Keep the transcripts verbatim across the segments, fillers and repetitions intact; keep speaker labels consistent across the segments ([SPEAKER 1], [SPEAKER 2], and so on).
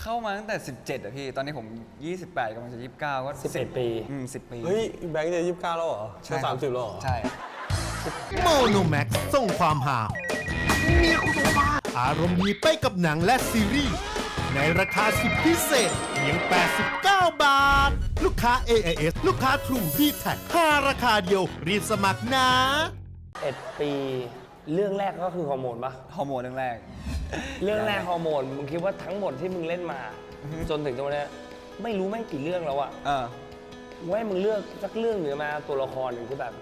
[SPEAKER 1] เข้ามาตั้งแต่สิบเจ็ดอะพี่ตอนนี้ผมยี่สิบแปดกำลังจะยี่สิบเก้าก็
[SPEAKER 2] สิบเอ็ดปี
[SPEAKER 1] อืมสิบปี
[SPEAKER 3] เฮ้ยแบงค์จะยี่สิบเก้าแล้วเหรอจะสามสิบแล้วเหรอ
[SPEAKER 1] ใช่
[SPEAKER 4] โมโนแม็กส่งความหาอารมณ์ดีไปกับหนังและซีรีส์ในราคาสุดพิเศษเพียงแปดสิบเก้าบาทลูกค้า เอ ไอ เอส ลูกค้า True ดี แท็ก ห้าราคาเดียวรีบสมัครนะ
[SPEAKER 2] เอ็ดปีเรื่องแรกก็คือฮอร์โมนปะ
[SPEAKER 1] ฮอร์โมนเรื่องแรก
[SPEAKER 2] เรื่องแรกฮอร์โมนมึงคิดว่าทั้งหมดที่มึงเล่นมาจนถึงตรงนี้ไม่รู้แม่งกี่เรื่องแล้วอะ
[SPEAKER 1] เออ
[SPEAKER 2] ว่ามึงเลือกสักเรื่องหรือมาตัวละครหนึ่งที่แบบ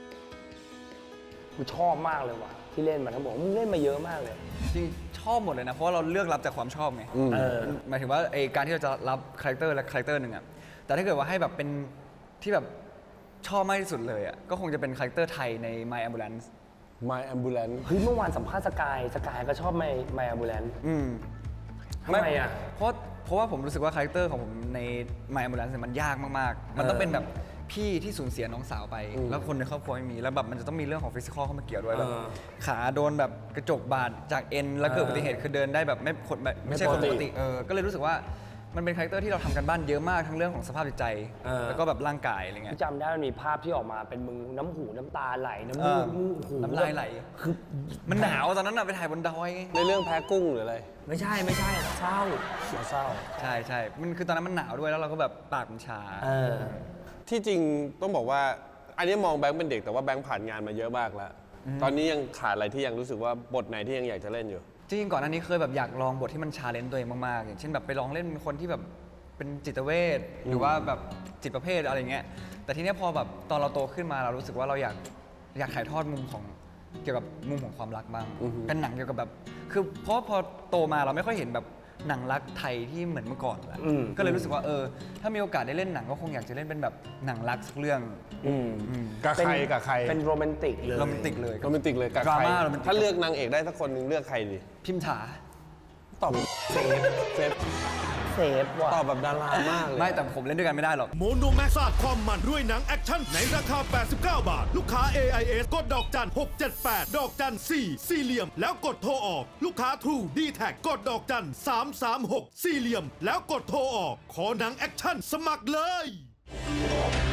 [SPEAKER 2] กูชอบมากเลยว่ะที่เล่นมาทั้งหมดมึงเล่นมาเยอะมากเลย
[SPEAKER 1] จริงชอบหมดเลยนะเพราะว่าเราเลือกรับจากความชอบไงหมายถึงว่าไอการที่เราจะรับคาแรคเตอร์และคาแรคเตอร์หนึ่งอะแต่ถ้าเกิดว่าให้แบบเป็นที่แบบชอบมากที่สุดเลยอะก็คงจะเป็นคาแรคเตอร์ไทยใน My Ambulance
[SPEAKER 3] My Ambulance
[SPEAKER 2] เฮ้ยเมื่อวานสัมภาษณ์สกายสกายก็ชอบ My My Ambulance
[SPEAKER 1] อืม
[SPEAKER 2] ทำไมอะ
[SPEAKER 1] เพราะเพราะว่าผมรู้สึกว่าคาแรคเตอร์ของผมใน My Ambulance มันยากมากๆมันต้องเป็นแบบพี่ที่สูญเสียน้องสาวไปแล้วคนในครอบครัวไม่มีแล้วแบบมันจะต้องมีเรื่องของฟิสิกอลเข้ามาเกี่ยวด้วยแบบขาโดนแบบกระจกบาดจากเอ็นแล้วเกิดอุบัติเหตุคือเดินได้แบบไม่คนแบบไม่ใช่คนปกติเออก็เลยรู้สึกว่ามันเป็นคาแรคเตอร์ที่เราทำกันบ้านเยอะมากทั้งเรื่องของสภาพจิตใจแล้วก็แบบร่างกายอะไรเงี้ย
[SPEAKER 2] จำได้มันมีภาพที่ออกมาเป็นมึงน้ำหูน้ำตาไหลน้ำมูกมูกหู
[SPEAKER 1] น้ำลายไหลคือมันหนาวตอนนั้นอะไปถ่ายบนดอย
[SPEAKER 3] ในเรื่องแพ้กุ้งหรืออะไร
[SPEAKER 2] ไม่ใช่ไม่ใช่เศร้าเศร้า
[SPEAKER 1] ใช่ใช่มันคือตอนนั้นมันหนาวด้วยแล้วเราก็แบบปากมันชา
[SPEAKER 3] ที่จริงต้องบอกว่าอันนี้มองแบงค์เป็นเด็กแต่ว่าแบงค์ผ่านงานมาเยอะมากแล้วตอนนี้ยังขาดอะไรที่ยังรู้สึกว่าบทไหนที่ยังอยากจะเล่นอยู่
[SPEAKER 1] จริงๆก่อนหน้านี้เคยแบบอยากลองบทที่มันชาเลนจ์ตัวเองมากๆอย่างเช่นแบบไปลองเล่นคนที่แบบเป็นจิตเวชหรือว่าแบบจิตประเภทอะไรเงี้ยแต่ทีนี้พอแบบตอนเราโตขึ้นมาเรารู้สึกว่าเราอยากอยากถ่ายทอดมุมของเกี่ยวกับมุมของความรักบ้างเป็นหนังเกี่ยวกับแบบคือเพราะพอโตมาเราไม่ค่อยเห็นแบบหนังรักไทยที่เหมือนเมื่อก่อนแล้วก็เลยรู้สึกว่าเออถ้ามีโอกาสได้เล่นหนังก็คงอยากจะเล่นเป็นแบบหนังรักสักเรื่อง
[SPEAKER 3] กับใครกับใคร
[SPEAKER 2] เป็นโรแมนติกเลย
[SPEAKER 1] โรแมนติกเลย
[SPEAKER 3] โรแมนติกเลยกับใครถ้าเลือกนางเอกได้สักคนนึงเลือกใครดี
[SPEAKER 1] พิมถา
[SPEAKER 3] ตอบเซฟเซฟ
[SPEAKER 2] เซฟว่ะ
[SPEAKER 3] ตอบแบบดารามากเลย
[SPEAKER 1] ไม่แต่ผมเล่นด้วยกันไม่ได้หรอก
[SPEAKER 4] โมโนแม็กซ์สาดความมันด้วยหนังแอคชั่นในราคาแปดสิบเก้าบาทลูกค้า เอ ไอ เอส กดดอกจันหกเจ็ดแปดดอกจันสี่สี่เหลี่ยมแล้วกดโทรออกลูกค้า True ดี แท็ก กดดอกจันสามสามหกสี่เหลี่ยมแล้วกดโทรออกขอหนังแอคชั่นสมัครเลย